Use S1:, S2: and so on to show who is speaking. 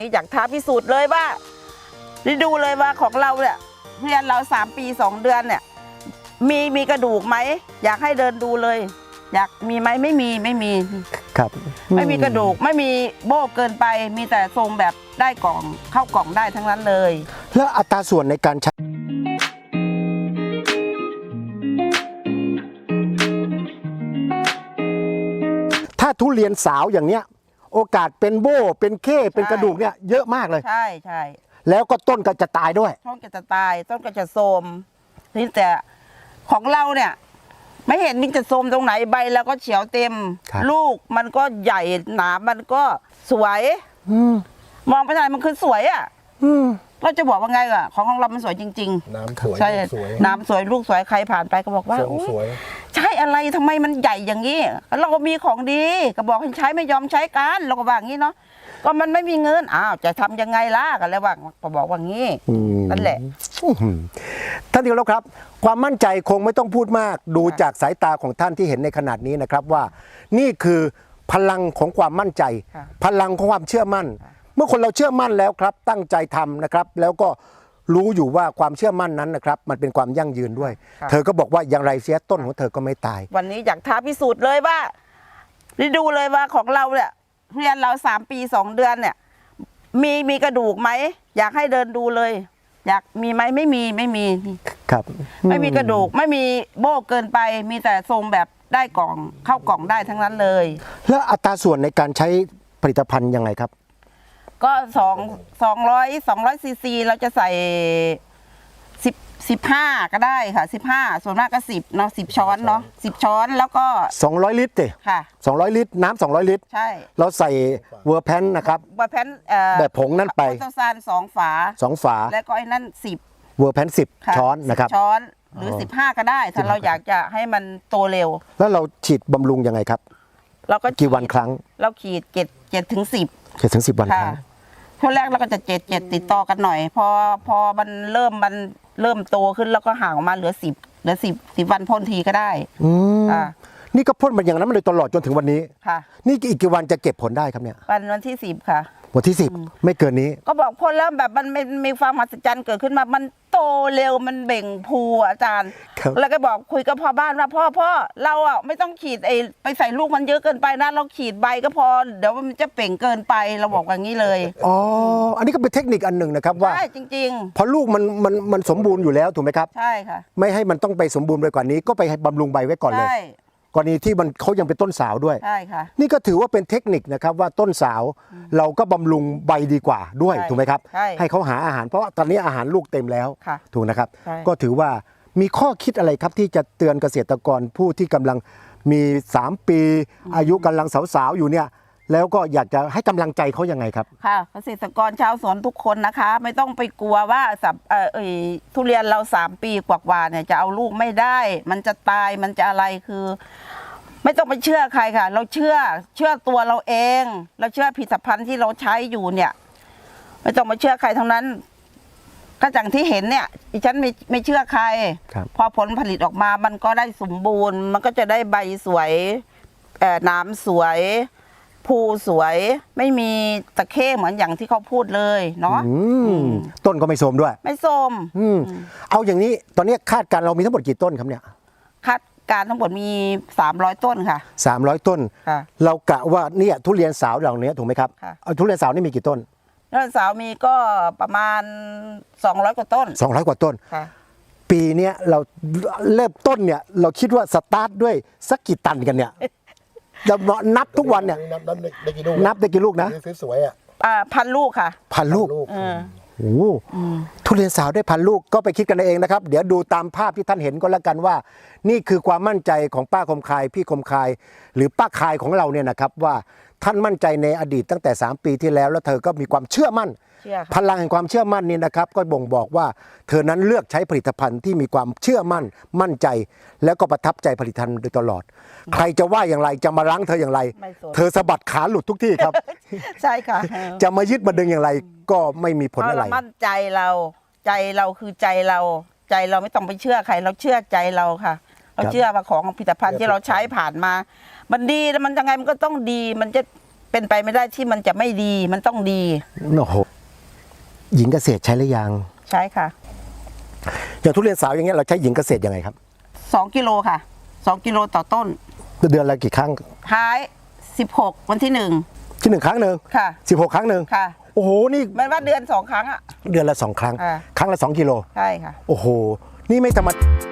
S1: อยากท้าพิสูจน์เลยว่าได้ดูเลยว่าของเราเนี่ยเรียนเรา3 ปี 2 เดือนเนี่ยมีกระดูกไหมอยากให้เดินดูเลยอยากมีไหมไม่มี
S2: ครับ
S1: ไม่มีกระดูกไม่มีโบ้เกินไปมีแต่ทรงแบบได้กล่องเข้ากล่องได้ทั้งนั้นเลย
S2: แล้วอัตราส่วนในการใช้ถ้าทุเรียนสาวอย่างเนี้ยโอกาสเป็นโบ้เป็นเข้เป็นกระดูกเนี่ยเยอะมากเลย
S1: ใช่
S2: แล้วก็ต้นก็จะตายด้วย
S1: ต้นก็จะตายต้นก็จะโทรมนี่แต่ของเราเนี่ยไม่เห็นมันจะโทรมตรงไหนใบแล้วก็เขียวเต็มลูกมันก็ใหญ่หนามันก็สวยมองไปทางไหนมันคือสวยอ่ะเราจะบอกว่าไงอ่ะของเรามันสวยจริงๆ
S3: น้ำสวย
S1: ใช่น้ำสวยลูกสวยใครผ่านไปก็บอกว่า
S3: สวย
S1: ใช่อะไรทำไมมันใหญ่อย่างนี้เราก็มีของดีก็บอกให้ใช้ไม่ยอมใช้กันเราก็ว่าอย่างนี้เนาะก็มันไม่มีเงินจะทำยังไงล่ะกันแล้วว่าก็บอกว่างี้นั่นแหละ
S2: ท่านที่เคารพครับความมั่นใจคงไม่ต้องพูดมากดูจากสายตาของท่านที่เห็นในขนาดนี้นะครับว่านี่คือพลังของความมั่นใจพลังของความเชื่อมั่นเมื่อคนเราเชื่อมั่นแล้วครับตั้งใจทำนะครับแล้วก็รู้อยู่ว่าความเชื่อมั่นนั้นนะครับมันเป็นความยั่งยืนด้วยเธอก็บอกว่าอย่างไรเสียต้นของเธอก็ไม่ตาย
S1: วันนี้อยากท้าพิสูจน์เลยว่าได้ดูเลยว่าของเราเนี่ยเรียนเรา3 ปี 2 เดือนเนี่ยมีกระดูกไหมอยากให้เดินดูเลยอยากมีไหมไม่มี
S2: ครับ
S1: ไม่มีกระดูกไม่มีโบ้เกินไปมีแต่ทรงแบบได้กล่องเข้ากล่องได้ทั้งนั้นเลย
S2: แล้วอัตราส่วนในการใช้ผลิตภัณฑ์ยังไงครับ
S1: ก็200 ซีซีเราจะใส่15ก็ได้ค่ะ15ส่วนมากก็10เนาะ10 ช้อนเนาะ10 ช้อนแล้วก็
S2: 200 ลิตรสิ
S1: ค่ะ
S2: 200 ลิตรน้ำ200 ลิตร
S1: ใช่
S2: เราใส่เวอร์แพนนะครับ
S1: เวอร์แพน
S2: แบบผงนั่นไป
S1: โตซาน2 ฝา
S2: 2 ฝา
S1: แล้วก็ไอ้นั่น10
S2: เวอร์แพน10 ช้อนนะครับ
S1: ช้อนหรือ15ก็ได้ถ้าเราอยากจะให้มันโตเร็ว
S2: แล้วเราฉีดบำรุงยังไงครับ
S1: เราก็
S2: กี่วันครั้ง
S1: เราขีด7 ถึง 10
S2: 7 ถึง 10 วันครั้ง
S1: ช่วงแรกเราก็จะ7ติดต่อกันหน่อยพอมันเริ่มโตขึ้นแล้วก็ห่างออกมาเหลือ10 วันพ่นทีก็ได้
S2: นี่ก็พ่นมันอย่างนั้นมาเลยตลอดจนถึงวันนี้
S1: ค่ะ
S2: นี่อีกกี่วันจะเก็บผลได้ครับเนี่ย
S1: วันที่10ค่ะ
S2: วันที่10ไม่เกินนี้
S1: ก็บอกพ่นแล้วแบบมันมีความมหัศจรรย์เกิดขึ้นมามันโตเร็วมันเบ่งพูอาจารย์แล้วก็บอกคุยกับพ่อบ้านว่าพ่อเราไม่ต้องขีดไปใส่ลูกมันเยอะเกินไปนะเราขีดใบก็พอเดี๋ยวมันจะเป่งเกินไปเราบอกอย่างนี้เลย
S2: อ๋ออันนี้ก็เป็นเทคนิคอันหนึ่งนะครับว่า
S1: ใช่จริง
S2: ๆพอลูกมันสมบูรณ์อยู่แล้วถูกไหมครับ
S1: ใช่ค่ะ
S2: ไม่ให้มันต้องไปสมบูรณ์ไปกว่านี้ก็ไปบำรุงใบไว้ก่อนเลยกรณีที่เขายังเป็นต้นสาวด้วย
S1: ใช่ค่ะ
S2: นี่ก็ถือว่าเป็นเทคนิคนะครับว่าต้นสาวเราก็บำรุงใบดีกว่าด้วยถูกไหมครับให้เขาหาอาหารเพราะตอนนี้อาหารลูกเต็มแล้วถูกนะครับก็ถือว่ามีข้อคิดอะไรครับที่จะเตือนเกษตรกรผู้ที่กำลังมี3 ปีอายุกำลังสาวๆอยู่เนี่ยแล้วก็อยากจะให้กำลังใจเขายังไงครับ
S1: ค่ะเกษตรกรชาวสวนทุกคนนะคะไม่ต้องไปกลัวว่าทุเรียนเรา3 ปีกว่าเนี่ยจะเอาลูกไม่ได้มันจะตายมันจะอะไรคือไม่ต้องไปเชื่อใครค่ะเราเชื่อตัวเราเองเราเชื่อผลิตภัณฑ์ที่เราใช้อยู่เนี่ยไม่ต้องมาเชื่อใครทั้งนั้นก็อย่างที่เห็นเนี่ยดิฉันไม่เชื่อใครพอผลผลิตออกมามันก็ได้สมบูรณ์มันก็จะได้ใบสวยน้ำสวยภูสวยไม่มีตะเข้เหมือนอย่างที่เขาพูดเลยเนาะ
S2: ต้นก็ไม่โทรมด้วย
S1: ไม่โทรม
S2: เอาอย่างนี้ตอนนี้คาดการเรามีทั้งหมดกี่ต้นครับเนี่ย
S1: คาดการทั้งหมดมี300 ต้นค่ะ
S2: 300 ต้นเรากะว่าเนี่ยทุเรียนสาวเหล่านี้ถูกไหมครับเอาทุเรียนสาวนี่มีกี่ต้น
S1: ทุเรียนสาวมีก็ประมาณ200 กว่าต้น
S2: 200 กว่าต้นปีนี้เราเริ่มต้นเนี่ยเราคิดว่าสตาร์ทด้วยสักกี่ตันกันเนี่ยเรานับทุกวันเนี่ย
S3: นับได้กี่ลูก
S2: นะ
S3: สวย
S1: 1,000 ลูกค่ะ
S2: 1,000 ลูกโอ้ทุเรียนสาวได้1,000 ลูกก็ไปคิดกันเองนะครับเดี๋ยวดูตามภาพที่ท่านเห็นก็แล้วกันว่านี่คือความมั่นใจของป้าคมคายพี่คมคายหรือป้าคายของเราเนี่ยนะครับว่าท่านมั่นใจในอดีตตั้งแต่3 ปีที่แล้วแล้วเธอก็มีความเชื่อมั่นพลังแห่งความเชื่อมั่นนี่นะครับก็บ่งบอกว่าเธอนั้นเลือกใช้ผลิตภัณฑ์ที่มีความเชื่อมั่นใจแล้วก็ประทับใจผลิตภัณฑ์โดยตลอดใครจะว่าอย่างไรจะมารั้งเธออย่างไรเธอสะบัดขาหลุดทุกที่ครับ
S1: ใช่ค่ะ
S2: จะมายึดมาดึงอย่างไรก็ไม่มีผลอะไร
S1: มั่นใจเราคือใจเราไม่ต้องไปเชื่อใครเราเชื่อใจเราค่ะเราเชื่อว่าของผลิตภัณฑ์ที่เราใช้ผ่านมามันดีแล้วมันยังไงมันก็ต้องดีมันจะเป็นไปไม่ได้ที่มันจะไม่ดีมันต้องดี
S2: โอ้โหหญิงเกษตรใช้หรือยัง
S1: ใช่ค่ะ
S2: อย่างทุเรียนสาวอย่างเงี้ยเราใช้หญิงเกษตรยังไงครับ
S1: 2 กิโลค่ะ2 กิโลต่อต้น
S2: เดือนละกี่ครั้ง
S1: ท้าย16วันที่
S2: ที่1ครั้งหนึ่ง
S1: ค่ะ
S2: 16 ครั้งหนึ่ง
S1: ค่ะ
S2: โอ้โหนี่
S1: มันว่าเดือน2 ครั้งอ่ะ
S2: เดือนละ2 ครั้ง
S1: อ่า
S2: ครั้งละ2 กิโล
S1: ใช่ค่ะ
S2: โอ้โหนี่ไม่ธรรมดา